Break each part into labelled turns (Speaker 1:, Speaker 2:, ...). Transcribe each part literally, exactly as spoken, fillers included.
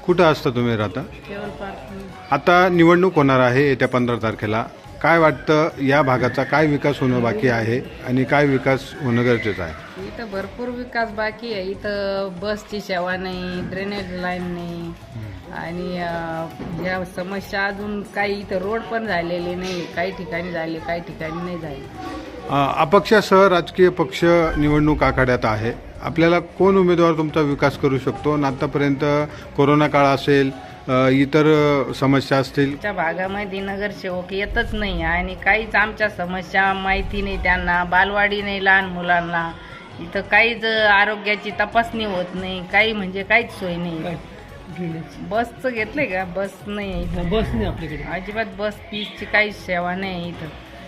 Speaker 1: कुठं असता तुम्ही राहता?
Speaker 2: केवळ पार्क.
Speaker 1: आता निवडणूक होणार आहे येत्या पंधरा तारखेला. काय वाटतं या भागाचा काय विकास होणं बाकी आहे आणि काय विकास होणं गरजेचं आहे?
Speaker 2: इथं भरपूर विकास बाकी आहे. इथं बसची सेवा नाही, ड्रेनेज लाईन नाही आणि अं, या समस्या अजून काही इथं रोड पण झालेले नाही. काही ठिकाणी झाले, काही ठिकाणी नाही झाले.
Speaker 1: अ, अपक्षासह राजकीय पक्ष निवडणूक आखाड्यात आहे. आपल्याला कोण उमेदवार तुमचा विकास करू शकतो? आणि आतापर्यंत कोरोना काळ असेल, अ, इतर अ, समस्या असतील.
Speaker 2: आमच्या भागामध्ये नगरसेवक येतच नाही आणि काहीच आमच्या समस्या माहिती नाही त्यांना. बालवाडी नाही लहान मुलांना. इथं काहीच आरोग्याची तपासणी होत नाही. काही म्हणजे काहीच सोय नाही. बसचं घेतलंय का? बस नाही इथं.
Speaker 3: बस नाही आपल्याकडे.
Speaker 2: अजिबात बस पीसची काहीच सेवा नाही इथं.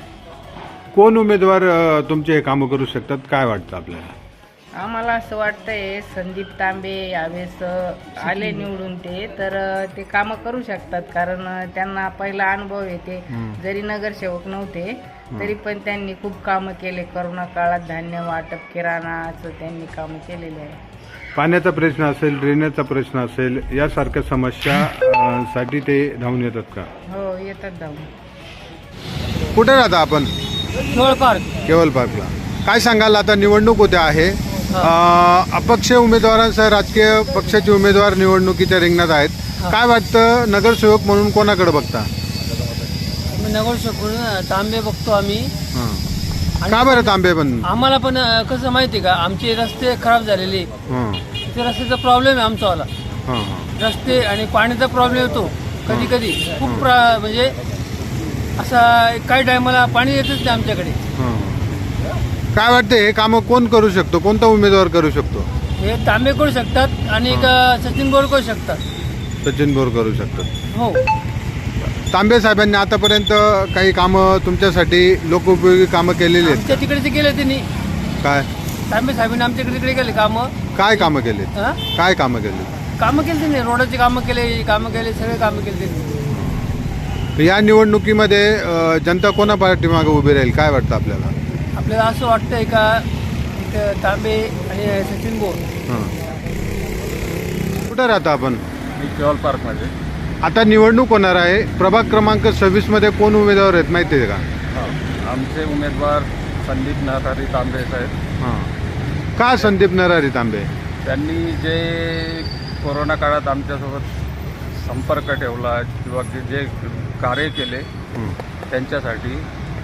Speaker 1: कोण उमेदवार अ, तुमचे हे कामं करू शकतात? काय वाटतं आपल्याला?
Speaker 2: आम्हाला असं वाटतंय संदीप तांबे यावेळेस आले निवडून ते तर ते कामं करू शकतात. कारण त्यांना पहिला अनुभव येते. जरी नगरसेवक नव्हते तरी पण त्यांनी खूप कामं केले. करोना काळात धान्य वाटप, किराणा असं त्यांनी कामं केलेले आहे.
Speaker 1: पाण्याचा प्रश्न असेल, ड्रेनेजचा प्रश्न असेल, यासारख्या समस्या अ, साठी ते धावून येतात का?
Speaker 2: हो, येतात जाऊन.
Speaker 1: कुठे राहता आपण?
Speaker 3: केवळ पार्क.
Speaker 1: केवल पार्कला. काय सांगाल, आता निवडणूक होते आहे. अ, अपक्ष उमेदवारांसह राजकीय पक्षाचे उमेदवार निवडणुकीच्या रिंगणात आहेत. काय वाटतं, नगरसेवक म्हणून कोणाकडे बघता?
Speaker 3: आम्ही नगरसेवक तांबे बघतो आम्ही.
Speaker 1: हं. का बरं तांबे पण?
Speaker 3: आम्हाला पण अं, कसं माहिती आहे का, आमचे रस्ते खराब झालेले.
Speaker 1: हं.
Speaker 3: ते रस्त्याचा प्रॉब्लेम आहे आमचावाला.
Speaker 1: हं, हं.
Speaker 3: रस्ते आणि पाण्याचा प्रॉब्लेम येतो कधी कधी खूप प्रा- म्हणजे असा काही टायमाला पाणी येतच नाही आमच्याकडे.
Speaker 1: हं. काय वाटतं, हे कामं कोण करू शकतो? कोणता उमेदवार करू शकतो?
Speaker 3: हे तांबे करू शकतात आणि एक अं, सचिन बोर करू शकतात.
Speaker 1: सचिन बोर करू शकतात.
Speaker 3: हो.
Speaker 1: तांबे साहेबांनी आतापर्यंत काही कामं तुमच्यासाठी लोकोपयोगी कामं केलेली आहेत?
Speaker 3: आमच्या तिकडे ते गेले त्यांनी.
Speaker 1: काय
Speaker 3: तांबे साहेबांनी आमच्या इकडे तिकडे गेले कामं.
Speaker 1: काय कामं केले?
Speaker 3: हा?
Speaker 1: काय कामं केले?
Speaker 3: कामं केली त्यांनी. रोडाची कामं केले, कामं केले, सगळे कामं केले त्यांनी.
Speaker 1: या निवडणुकीमध्ये अ, जनता कोणा पाठीमागे उभी राहील? काय वाटतं आपल्याला?
Speaker 3: आपल्याला असं वाटतंय का इथं तांबे आणि सचिन बोर.
Speaker 1: हं. कुठं राहता आपण?
Speaker 4: मी केवल पार्कमध्ये.
Speaker 1: आता निवडणूक होणार आहे. प्रभाग क्रमांक सव्वीस मध्ये कोण उमेदवार आहेत माहिती आहे का?
Speaker 4: हां, आमचे उमेदवार संदीप नरहरी तांबे साहेब.
Speaker 1: हां. का संदीप नरहरी तांबे?
Speaker 4: त्यांनी जे कोरोना काळात आमच्यासोबत संपर्क ठेवला किंवा की जे कार्य केले
Speaker 1: हं.
Speaker 4: त्यांच्यासाठी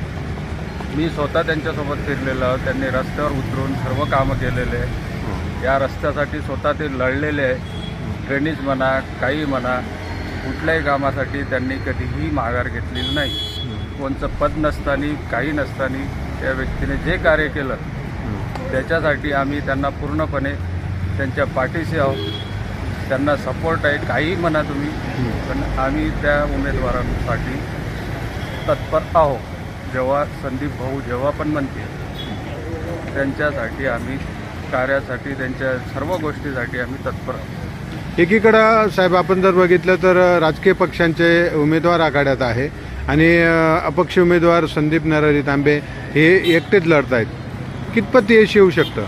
Speaker 4: मी स्वतः त्यांच्यासोबत फिरलेलो. त्यांनी रस्त्यावर उतरून सर्व कामं केलेले आहे. या रस्त्यासाठी स्वतः ते लढलेले आहे. ड्रेनेज म्हणा, काही म्हणा, कुठल्याही कामासाठी त्यांनी कधीही माघार घेतलेली नाही. कोणचं पद नसताना, काही नसताना त्या व्यक्तीने जे कार्य केलं त्याच्यासाठी आम्ही त्यांना पूर्णपणे त्यांच्या पाठीशी आहोत. त्यांना सपोर्ट आहे. काही म्हणा तुम्ही, पण आम्ही त्या उमेदवारांसाठी तत्पर आहोत. जेव्हा संदीप भाऊ जेव्हा पण म्हणतील त्यांच्यासाठी आम्ही कार्यासाठी, त्यांच्या सर्व गोष्टीसाठी आम्ही तत्पर आहोत.
Speaker 1: एकीकडं साहेब आपण जर बघितलं तर राजकीय पक्षांचे उमेदवार आघाड्यात आहे आणि अ, अपक्ष उमेदवार संदीप नरहरी तांबे हे एकटेच लढत आहेत. कितपत यश येऊ शकतं?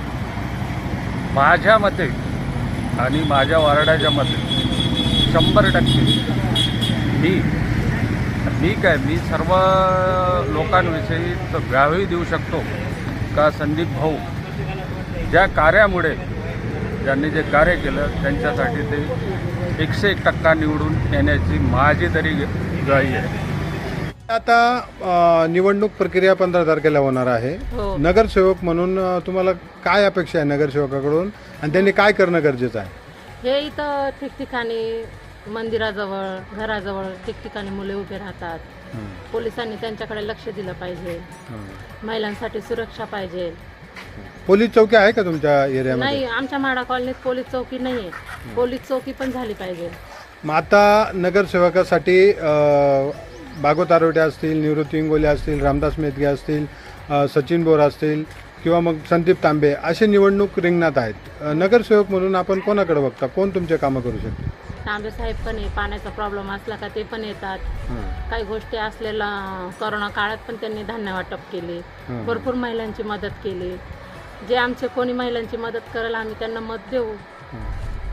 Speaker 4: माझ्या मते आणि माझ्या वार्डाच्या मते शंभर टक्के मी मी काय मी सर्व लोकांविषयी तर ग्वाही देऊ शकतो का संदीप भाऊ ज्या कार्यामुळे ज्यांनी जे कार्य केलं त्यांच्यासाठी ते एकशे एक टक्का निवडून येण्याची माझी तरी ग्वाही आहे.
Speaker 1: आता अ, निवडणूक प्रक्रिया पंधरा तारखेला होणार आहे.
Speaker 2: हो.
Speaker 1: नगरसेवक म्हणून अ, तुम्हाला काय अपेक्षा आहे नगरसेवकाकडून आणि त्यांनी काय करणं गरजेचं आहे?
Speaker 5: हे इथं ठिकठिकाणी मंदिराजवळ, घराजवळ ठिकठिकाणी मुले उभे राहतात. पोलिसांनी त्यांच्याकडे लक्ष दिलं पाहिजे. महिलांसाठी सुरक्षा पाहिजे.
Speaker 1: पोलीस चौकी आहे का तुमच्या एरियामध्ये?
Speaker 5: नाही, आमच्या माडा कॉलनीत पोलीस चौकी नाहीये. पोलीस चौकी पण झाली पाहिजे.
Speaker 1: मग आता नगरसेवकासाठी अ, भागवत आरोटे असतील, निवृत्ती इंगोले असतील, रामदास मेदगे असतील, अ, सचिन बोर असतील किंवा मग संदीप तांबे असे निवडणूक रिंगणात आहेत. अ, नगरसेवक म्हणून आपण कोणाकडे बघता? कोण तुमचे कामं करू शकते?
Speaker 5: तांबे साहेब पण आहे. पाण्याचा प्रॉब्लेम असला का ते पण येतात. काही गोष्टी असलेला कोरोना काळात पण त्यांनी धान्य वाटप केले. भरपूर महिलांची मदत केली. जे आमचे कोणी महिलांची मदत करेल आम्ही त्यांना मत देऊ.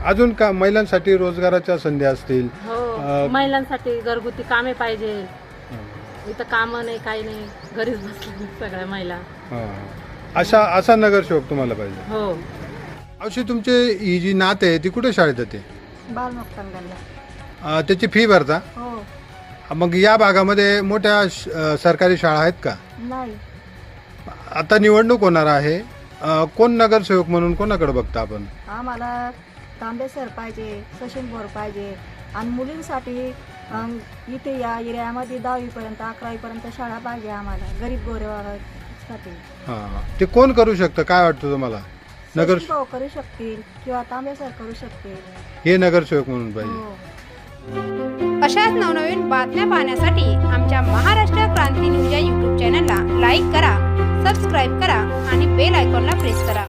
Speaker 1: अजून का महिलांसाठी रोजगाराच्या संधी असतील?
Speaker 5: हो
Speaker 1: अ,
Speaker 5: महिलांसाठी घरगुती कामे पाहिजे. इथं कामं नाही काही नाही, घरीच बसल्या सगळ्या महिला.
Speaker 1: हां. अशा असा नगरसेवक तुम्हाला पाहिजे.
Speaker 5: हो
Speaker 1: अशी तुमची ही जी नात आहे ती कुठे शाळेत येते?
Speaker 6: बालमुक्तांगणला.
Speaker 1: त्याची फी भरता?
Speaker 6: हो.
Speaker 1: मग या भागामध्ये मोठ्या श- अ, सरकारी शाळा आहेत का?
Speaker 6: नाही.
Speaker 1: आता निवडणूक होणार आहे. अ, कोण नगरसेवक म्हणून कोणाकडे बघता आपण?
Speaker 6: आम्हाला तांबे सर पाहिजे, सचिन बोर पाहिजे आणि मुलींसाठी अं, इथे या एरियामध्ये दहावीपर्यंत अकरावीपर्यंत शाळा पाहिजे आम्हाला गरीब गोरेवासाठी.
Speaker 1: हां. ते कोण करू शकतं काय वाटतं तुम्हाला? नगर
Speaker 6: सचिन भाऊ करू शकतील किंवा तांबे सर करू शकतील.
Speaker 1: हे नगरसेवक म्हणून पाहिजे.
Speaker 6: हो.
Speaker 7: अशाच नवनवीन बातम्या पाहण्यासाठी आमच्या महाराष्ट्र क्रांती न्यूज या यूट्यूब चॅनलला लाईक करा, सबस्क्राईब करा आणि बेल आयकॉनला प्रेस करा.